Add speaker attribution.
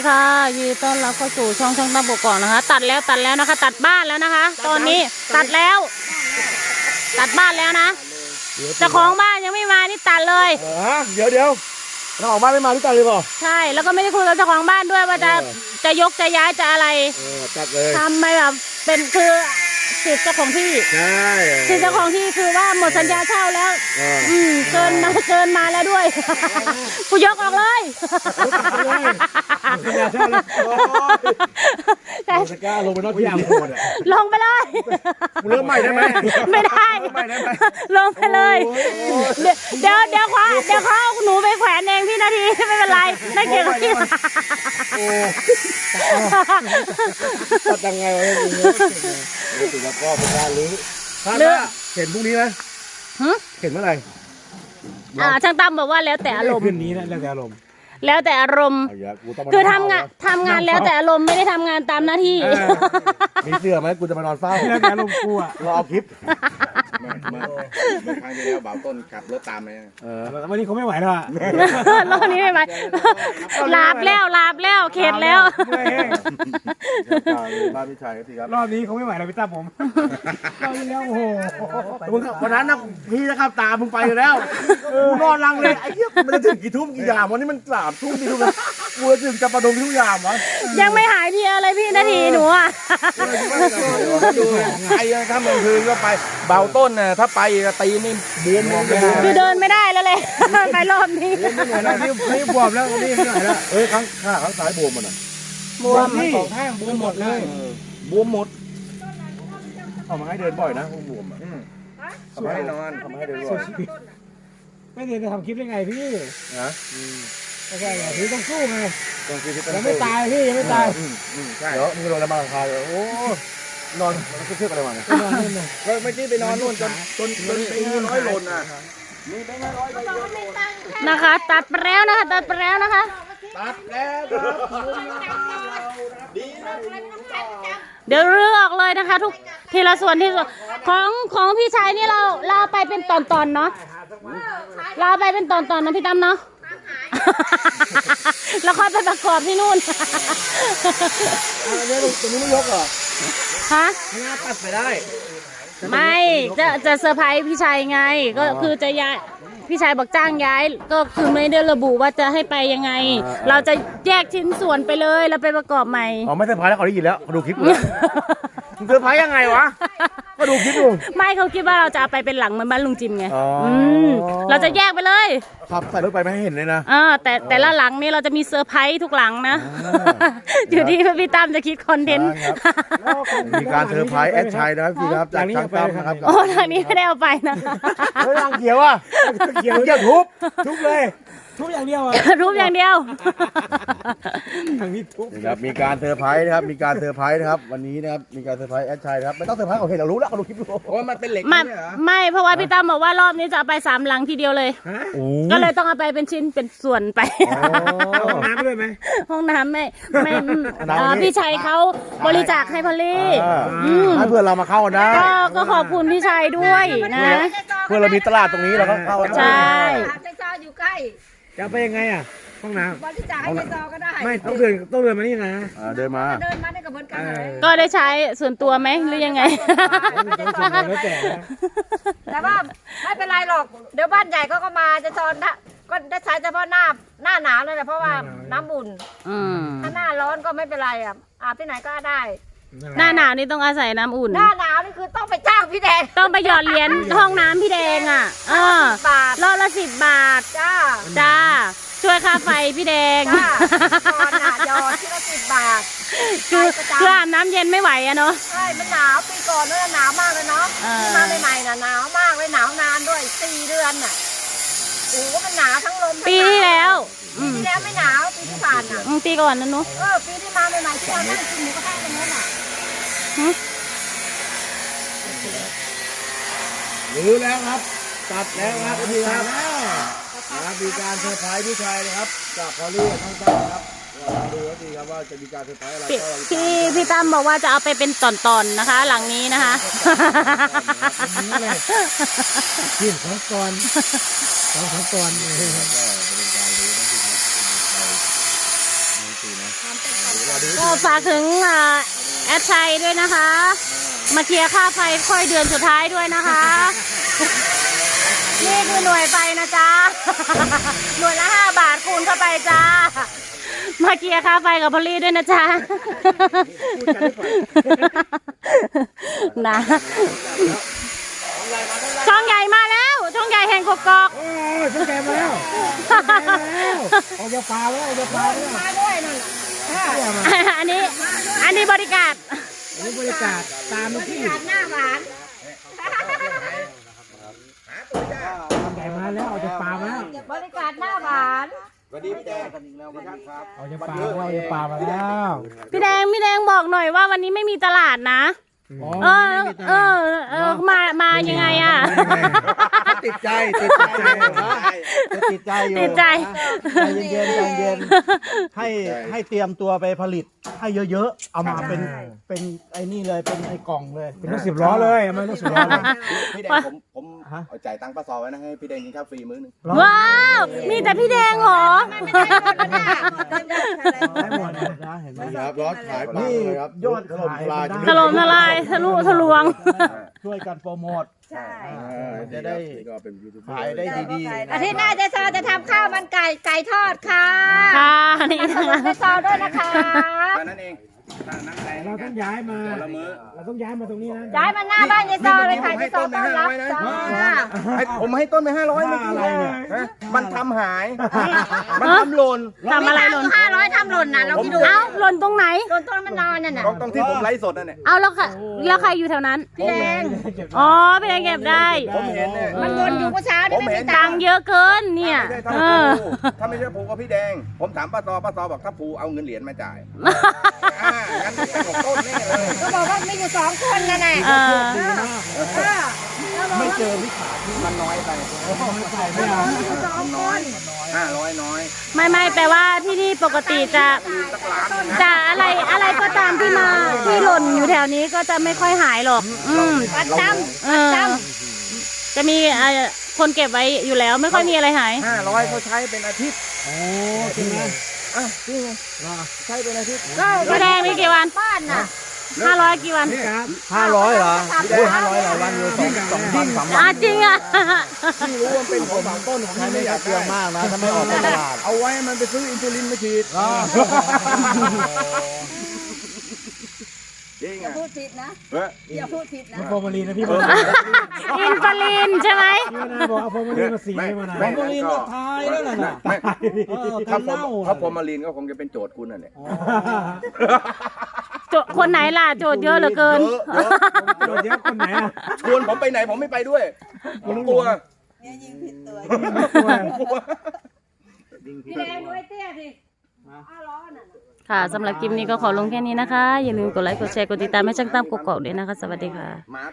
Speaker 1: ค่ะยินดีต้อนรับเข้าสู่ช่องตั้มกกอกนะคะตัดแล้วนะคะ ตัดบ้านแล้วนะคะ ตอนนี้ตัดแล้วตัดบ้านแล้วนะเจ้าของบ้านยังไม่มานี่ตัดเลย
Speaker 2: เดี๋ยวเจ้าของบ้านไม่มาที่ตัดเลยเปล่า
Speaker 1: ใช่แล้วก็ไม่ได้คุยกับเจ้าของบ้านด้วยว่าจะยกจะย้ายจะอะไร
Speaker 2: ตัดเลย
Speaker 1: ทำไม่แบบเป็นคือสิทธิ์เจ้าของที่
Speaker 2: ใช่
Speaker 1: สิทธิ์เจ้าของที่คือว่าหมดสัญญาเช่าแล้วเกินมาแล้วด้วยกูยกออกเลย
Speaker 2: สัญญาเช่าแล้วสก้าลงไปนอกที่อ่างโหด
Speaker 1: ลงไปเลย
Speaker 2: เริ่มใหม่ได้ไหม
Speaker 1: ไม่ได้ลงไปเลยเดี๋ยวเขาหนูไปแขวนเองพี่นาทีไม่เป็นไรไม่เกี่ยวกับพี่
Speaker 2: ตัดยังไงวะติดแล้วก็เป็นการลื้อเห็นพรุ่งนี้ไหมเห็นเมื่อไหร่
Speaker 1: ช่างตั้มบอกว่าแล้วแต่อารมณ์
Speaker 2: คืนนี้นะแล้วแต่อารมณ์
Speaker 1: คือทำงานแล้วแต่อารมณ์ไม่ได้ทำงานตามหน้าที่
Speaker 2: มีเสื้อไหมกูจะมานอนเฝ้าแล้วแต่อารมณ์กูอ่ะเราเอาคลิป
Speaker 3: เมื่อครั้งที่แล้วบ่าวต้นขับรถตามไป
Speaker 2: วันนี้เขาไม่ไหวแล้วอ่ะ
Speaker 1: วันนี้ไม่ไหวลาบแล้วเข็ดแล้ว
Speaker 2: บ้านพี่ชายก็ทีครับรอบนี้เขาไม่ไหวแล้วพี่ตั้มผมรอบนี้แล้วโอ้โหวันนั้นนะพี่จะขับตามมึงไปอยู่แล้วกูนอนรังเลยไอ้เหี้ยมันจะถึงกี่ทุ่มกี่ยามวันนี้มัน3 ทุ่มกี่ทุ่มนะกูจะถึงจะประดงทุกยามวะ
Speaker 1: ยังไม่หายเพียอะไรพี่นาทีหนูอ่ะ
Speaker 3: ดูใครถ้าเมืองคืนก็ไปเบาต้นน่ะถ้าไปตีนี่บวม
Speaker 1: คือเดินไม่ได้แล้วเลยไปรอบนี้
Speaker 2: นี่บวมแล้วนี่ไม่ไหวแล้วข้างซ้ายบวมมันอ่ะ
Speaker 1: บวม
Speaker 2: 2 ข้างบวมหมดเลย
Speaker 3: บวมหมด
Speaker 2: เอามาให้เดินบ่อยนะบวม
Speaker 3: ทำให้นอน
Speaker 2: ทำให้เดินบ่อยไม่เดินจะทำคลิปได้ไงพี่นะไม่ใช่ไงพี่ต้องสู้ไงยังไม่ตายพี่ยังไม่ตายเดี๋ยวมึงโดนอะไรมาหลังคาเลยโอ้นอนมันก็เชื่ออะไรมาเนี่ย
Speaker 3: ก็ไม่ที่ไปนอนนู่นจนไป100 โลน่ะมีไป100
Speaker 1: นะคะตัดไปแล้วนะคะ
Speaker 3: ตัดแล้วครับ
Speaker 1: เดี๋ยวเลือกเลยนะคะทุกทีละส่วนของพี่ชายนี่เราไปเป็นตอนเนาะเราไปเป็นตอนนะพี่ตั้มเนาะแล้วค่อยไปประกอบที่นู่น
Speaker 2: เนี่ยตรงนี้ไม่ยกเหรอ
Speaker 1: ฮะ
Speaker 2: หน้าตัดไปได้
Speaker 1: ไม่จะเซอร์ไพรส์พี่ชายไงก็คือจะย้ายพี่ชายบอกจ้างย้ายก็คือไม่ได้ระบุว่าจะให้ไปยังไงเราจะแยกชิ้นส่วนไปเลยแล้วไปประกอบใหม่
Speaker 2: อ๋อไม่เซอร์ไพรส์แล้วเขาได้ยินแล้วเขาดูคลิปเลยเซอร์ไพรส์ยังไงวะก็ดูคลิปดู
Speaker 1: ไม่เขาคิดว่าเราจะเอาไปเป็นหลังเหมือนบ้านลุงจิมไงเราจะแยกไปเลย
Speaker 2: ครับใส่รถไปไม่ให้เห็นเลยนะ
Speaker 1: แต่ละหลังนี่เราจะมีเซอร์ไพรส์ทุกหลังนะอยู่ที่พี่ตั้มจะคิดคอนเทนต์
Speaker 2: มีการเซอร์ไพรส์แอดชัยนะครับพี่ครับจากช่างตั้มนะครับ
Speaker 1: โอ้ทางนี้ไม่ได้เอาไปนะ
Speaker 2: เฮ้ยรังเกียวอ่ะเกียวทุบเลยทุบอย่างเดียว
Speaker 1: ทุบอย่างเดียว
Speaker 2: ทางนี้ทุบครับมีการเซอร์ไพรส์นะครับมีการเซอร์ไพรส์นะครับวันนี้นะครับมีการเซอร์ไพรส์แอดชัยนะครับไม่ต้องเซอร์ไพรส์โอเคเรารู้แล้วเราดูคลิปดู
Speaker 3: โอ้มันเป็นเหล็ก
Speaker 1: ไม่เพราะว่าพี่ตั้มบอกว่ารอบนี้จะเอาไป3 หลังทีเดียวเลยก็เลยต้องเอาไปเป็นชิ้นเป็นส่วนไป
Speaker 2: ห้องน้ำด้วยไหม
Speaker 1: ห้องน้ำไม่พี่ชัยเขาบริจาคให้พอลลี่
Speaker 2: ให้เพื่อนเรามาเข้าได้
Speaker 1: ก็ขอบคุณพี่ชัยด้วยนะ
Speaker 2: เพื่อนเรามีตลาดตรงนี้เราก็เข้า
Speaker 1: ใช่
Speaker 4: อยู่ใกล้
Speaker 2: จะไปยังไงอ่ะห้องน้ำ
Speaker 4: บริจาคให้ในซอก็ได้
Speaker 2: ไม่ต้องเดินมานี่นะเดินมา
Speaker 4: ได้กับเหมือนกัน
Speaker 1: ก็ได้ใช้ส่วนตัวไหมหรือยังไง
Speaker 4: แต่ว่าไม่เป็นไรหรอกเดี๋ยวบ้านใหญ่เขาก็มาจะซอนก็ได้ใช้เฉพาะหน้าหนาวเลยแหละเพราะว่าน้ำอุ่นถ้าหน้าร้อนก็ไม่เป็นไรอาบที่ไหนก็ได้
Speaker 1: หน้าหนาวนี่ต้องอาศัยน้ำอุ่น
Speaker 4: หน้าหนาวนี่คือต้องไปจ้างพี่แดง
Speaker 1: ต้องไปหยอดเหรียญห้องน้ำพี่แดงอ่ะรอบละ10 บาทจ้าช่วยค่าไฟพี่แดง
Speaker 4: หยอดที่ละ10 บาท
Speaker 1: คืออาบน้ำเย็นไม่ไหวอะเนาะ
Speaker 4: ใช่มันหนาวปีก่อนเนี่ยหนาวมากเลยเนาะมาใหม่ๆน่ะหนาวมากเลยหนาวนานด้วย4 เดือนน่ะโอ้มันหนาวทั้งลม
Speaker 1: ปีที่แล้ว
Speaker 4: ไม่หนาวปีที่ผ่านน่ะ
Speaker 1: ปีก่อนนั่นเนาะ
Speaker 4: ปีที่มาใหม่ๆที่เรานั่งกินหมูกระทะตรงนั้นน่ะ
Speaker 2: รู้แล้วครับตัดแล้วครับพี่ครับมีการเซอร์ไพรส์พี่ชายนะครับจากพอลลี่ทั้งตั้งครับดูแล้วดีครับว่าจะมีการเซอร์ไพรส์อะไร
Speaker 1: พี่ตั้มบอกว่าจะเอาไปเป็นตอนๆนะคะหลังนี้นะคะ
Speaker 2: กิน2 ตอน2 3 ตอนก็เป็นการรู้นะพี่ครับเราไม่ตีนะ
Speaker 1: ก็ฝากถึงแอดชัยด้วยนะคะ มาเคลียร์ค่าไฟค่อยเดือนสุดท้ายด้วยนะคะ นี่คือหน่วยไฟนะจ๊ะ หน่วยละ5 บาทคูณเข้าไปจ้า มาเคลียร์ค่าไฟกับพอลลี่ด้วยนะจ๊ะ นะช่องใหญ่มาแล้วช่องใหญ่แห่งกกอก
Speaker 2: โอ้ยฉันแกมาแล้วเอาจะปลาแล้วเอาจะปลาแล้ว
Speaker 4: มาด้วยนั่นน่ะ
Speaker 1: อันนี้บริการ
Speaker 2: นี่บรรยากาศตามที่
Speaker 4: หน้าหวาน
Speaker 2: ทำใหญ่มาแล้วเอาจะปลามาแล้ว
Speaker 4: บริการหน้าหวาน
Speaker 3: สวัสดีพี่แดงกันอีกแล้วครับ
Speaker 2: เอาจะปลาเอาจะปลามาแล้ว
Speaker 1: พี่แดงบอกหน่อยว่าวันนี้ไม่มีตลาดนะ มายังไงอ่ะ
Speaker 3: ติดใจอยู่
Speaker 1: ติดใจ
Speaker 3: ใจเย็นให้เตรียมตัวไปผลิตให้เยอะๆเอามาเป็นไอ้นี่เลยเป็นไอ้กล่องเลย
Speaker 2: เป็นรถ10 ล้อเลยมันรถ10 ล้อเลย
Speaker 3: พี่แดงผมเอาจ่ายตังค์ป้าซอไว้นะให้พี่แดงกินข้าวฟรีมื้อนึง
Speaker 1: ว้าวมีแต่พี่แดงเหรอ
Speaker 3: ได้หมดนะเห็นไหมครับรถขายปลาเลยครับยอดขาย
Speaker 1: ถล่มทลายทะลุทะลวง
Speaker 3: ช่วยกันโปรโมท
Speaker 4: ใช่
Speaker 3: จะได้ขายได้ดี
Speaker 4: อาทิตย์หน้าเจ๊ซอจะทำข้าวมันไก่ทอดค่ะ
Speaker 1: ค่ะนี่
Speaker 4: ขอบคุณเจ๊ซอด้วยนะคะ
Speaker 3: ๆแค่นั้นเองนั่งไหน
Speaker 2: เราต้องย้ายมา
Speaker 3: ละมื้อ
Speaker 2: เราต้องย้ายมาตรงนี้นะ
Speaker 4: ย้ายมาหน้าบ้านเจ๊ซอเลยค่ะเจ๊ซอต้อนรับจ้า
Speaker 3: ผมให้ต้นไป500ไม่กี่เลยมันทำหาย มันทำหล่น
Speaker 1: ทำอะไรหล่น
Speaker 4: 500ทำหล่นนะเราคิดดู
Speaker 1: เอ้าหล่นตรงไหน
Speaker 4: โดนต้นมันนอนนั่นน่ะ
Speaker 3: ตรงที่ผมไลฟ์สดนั่นเนี่ย
Speaker 1: เอาแล้วใครอยู่แถวนั้น
Speaker 4: พี่แดง
Speaker 1: อ๋อพี่แดงเก็บได้
Speaker 3: ผมเห็นเนี่ย
Speaker 4: มันวนอยู่เมื่อเช้านี่ไม่มีตั
Speaker 1: ตั
Speaker 4: ง
Speaker 1: ง
Speaker 4: ค์
Speaker 1: ค์เยอะเกินเนี่ย
Speaker 3: ไม่ใช่
Speaker 1: เออ
Speaker 3: ถ้าไม่ใช่ภูกับพี่แดง ผมถามป้าซอบอกถ้าภูเอาเงินเหรียญมาจ่ายงั้นเป็นของต้นแน่เลย
Speaker 4: ก็บอกว่ามีอยู่2 คนนั่นแหละ
Speaker 1: เออ
Speaker 3: ไม่เจอวิขาที่มันน้อยไป
Speaker 2: ไม่เอา
Speaker 4: 2 คน
Speaker 3: 500น้อย
Speaker 1: ไม่แปลว่าที่นี่ปกติจะอะไรก็ตามที่หล่นอยู่แถวนี้ก็จะไม่ค่อยหายหรอก
Speaker 4: ประจ
Speaker 1: จะมีคนเก็บไว้อยู่แล้วไม่ค่อยมีอะไรหาย
Speaker 3: 500เขาใช้เป็นอาทิตย์
Speaker 2: โอ้จริงนะ
Speaker 3: จริงใช้เป็นอาทิตย์
Speaker 4: ำก็
Speaker 1: พี่แดงมีกี่วัน
Speaker 4: บ้านน่ะ
Speaker 1: 500กี่วัน
Speaker 3: 500เหรอ500หลายวันอยู่2 วัน 3 วัน
Speaker 1: จริงอ่ะ
Speaker 3: ที่รู้ว่าเป็นของต้นของที่ไม่อยากเชื่อมากนะถ้าไม่ออกตลาดเอาไว้มันไปซื้ออินซูลินมาฉีดจริง
Speaker 4: อย่า
Speaker 3: อ่ะ
Speaker 4: พูดผิดนะ อย่าพูดผิดนะ
Speaker 2: โฟมาลีนนะพี่บอก
Speaker 1: อินฟาลินใช่ไหม
Speaker 2: พี่นาบอกเอาโฟมาลีนมาสีให้มานะ
Speaker 3: ฟอร์มาลีนก็ทายแล้วน่ะถ้าฟอร์มาลีนก็คงจะเป็นโจทย์คุณนั่นแหละ
Speaker 1: คนไหนล่ะโจทย์เยอะเหลือเกิน
Speaker 2: โดนเยอะคนไหนอ่ะ
Speaker 3: ชวนผมไปไหนผมไม่ไปด้วยผมกลัว
Speaker 4: พี่แดงด้วยเตี้ยสิล้อน่ะ
Speaker 1: ค่ะสำหรับคลิปนี้ก็ขอลงแค่นี้นะคะ อย่าลืมกดไลค์กดแชร์กดติดตามให้ช่างตั้มกกอกด้วยนะคะ สวัสดีค่ะ